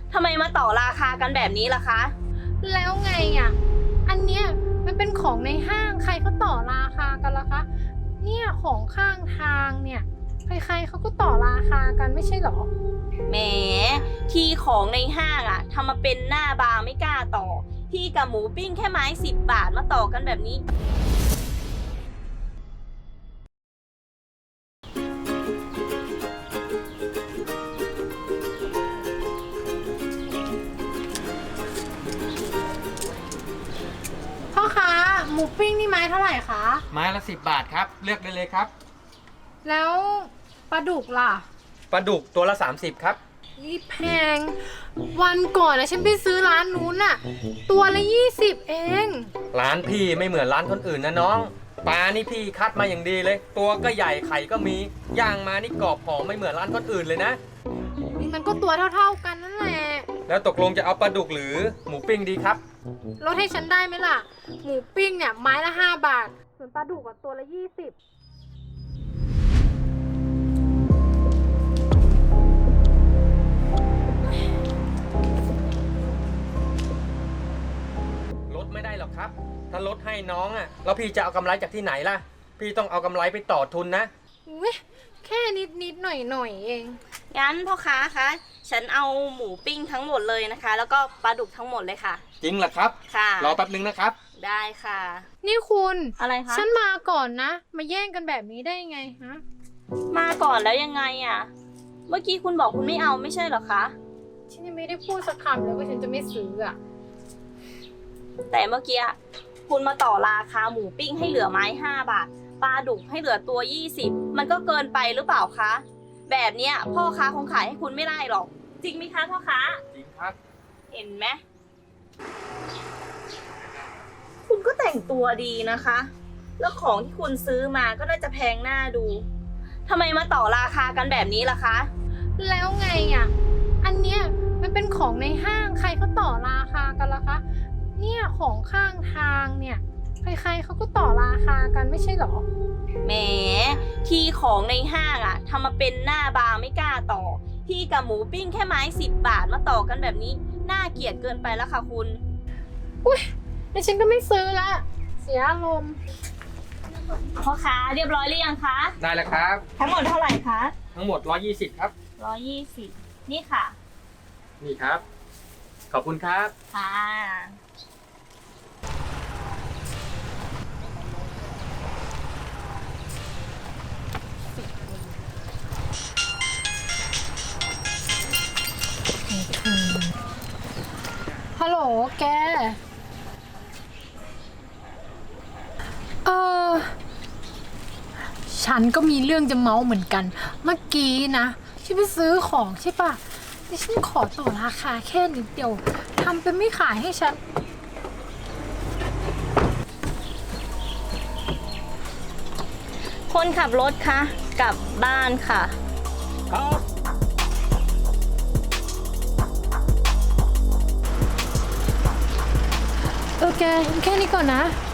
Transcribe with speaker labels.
Speaker 1: ทำไมมาต่อราคากันแบบนี้ล่ะคะ
Speaker 2: แล้วไงอ่ะอันเนี้ยมันเป็นของในห้างใครเขาต่อราคากันล่ะคะเนี่ยของข้างทางเนี่ยใครๆเขาก็ต่อราคากันไม่ใช่หรอ
Speaker 1: แหมที่ของในห้างอะทำมาเป็นหน้าบางไม่กล้าต่อ ที่กับหมูปิ้งแค่ไม้10 บาทมาต่อกันแบบนี้
Speaker 2: พ่อค้าหมูปิ้งนี่ไม้เท่าไหร่คะ
Speaker 3: ไม้ละ10 บาทครับเลือกได้เลยครับ
Speaker 2: แล้วปลาดุกล่ะ
Speaker 3: ปลาดุกตัวละ30ครับ
Speaker 2: นี่แพงวันก่อนนะฉันไปซื้อร้านนู้นน่ะตัวละ20เอง
Speaker 3: ร้านพี่ไม่เหมือนร้านคนอื่นนะน้องปลานี่พี่คัดมาอย่างดีเลย ตัวก็ใหญ่ไข่ก็มีย่างมานี่กรอบหอมไม่เหมือนร้านคนอื่นเลยนะ
Speaker 2: นี่มันก็ตัวเท่าๆกันนั่นแหละ
Speaker 3: แล้วตกลงจะเอาปลาดุกหรือหมูปิ้งดีครับ
Speaker 2: ลดให้ฉันได้ไหมล่ะหมูปิ้งเนี่ยไม้ละ5 บาทส่วนปลาดุกอะตัวละ20
Speaker 3: ลดไม่ได้หรอกครับ ถ้าลดให้น้องอ่ะแล้วพี่จะเอากำไรจากที่ไหนล่ะ พี่ต้องเอากำไรไปต่อทุนนะ
Speaker 2: อุ๊ยแค่นิดหน่อยเอง
Speaker 1: งั้นพ่อค้าคะ ฉันเอาหมูปิ้งทั้งหมดเลยนะคะ แล้วก็ปลาดุกทั้งหมดเลยค่ะ
Speaker 3: จริงเหรอครับ
Speaker 1: ค่ะ
Speaker 3: รอแป๊บนึงนะครับ
Speaker 1: ได้ค่ะ
Speaker 2: นี่คุณ
Speaker 1: อะไรคะ
Speaker 2: ฉันมาก่อนนะ มาแย่งกันแบบนี้ได้ยังไงฮะ
Speaker 1: มาก่อนแล้วยังไงอะเมื่อกี้คุณบอกคุณไม่เอาไม่ใช่เหรอคะ
Speaker 2: ฉันยังไม่ได้พูดสักคำเลยว่าฉันจะไม่ซื้ออะ
Speaker 1: แต่เมื่อกี้คุณมาต่อราคาหมูปิ้งให้เหลือไม้5 บาท ปลาดุกให้เหลือตัว20มันก็เกินไปหรือเปล่าคะ แบบเนี้ยพ่อค้าคงขายให้คุณไม่ได้หรอก จริงไหมคะพ่อค้า
Speaker 3: จริงครับ
Speaker 1: เห็นไหมคุณก็แต่งตัวดีนะคะ แล้วของที่คุณซื้อมาก็น่าจะแพงหน้าดูทำไมมาต่อราคากันแบบนี้ล่ะคะ
Speaker 2: แล้วไงอ่ะอันเนี้ยมันเป็นของในห้างใครเขาต่อราคากันล่ะคะเนี่ยของข้างทางเนี่ยใครๆเขาก็ต่อราคากันไม่ใช่หรอ
Speaker 1: แหมที่ของในห้างอะทำมาเป็นหน้าบางไม่กล้าต่อ ที่กับหมูปิ้งแค่ไม้10 บาทมาต่อกันแบบนี้น่าเกลียดเกินไปแล้วค่ะคุณ
Speaker 2: แต่ฉันก็ไม่ซื้อละเสียอารมณ์
Speaker 1: พ่อค้าเรียบร้อยหรือยังคะ
Speaker 3: ได้แล้วครับ
Speaker 1: ทั้งหมดเท่าไหร่คะ
Speaker 3: ทั้งหมด120ครับ
Speaker 1: 120นี่ค่ะ
Speaker 3: นี่ครับ ขอบคุณครับ
Speaker 1: ค่ะ
Speaker 2: ฮัลโหลแกฉันก็มีเรื่องจะเมาเหมือนกัน เมื่อกี้นะฉันไปซื้อของใช่ปะแต่ฉันขอต่อราคาแค่นิดเดียวทำเป็นไม่ขายให้ฉัน
Speaker 1: คนขับรถคะกลับบ้านค่ะ
Speaker 3: ครับ
Speaker 2: แกแค่นี้ก่อนนะ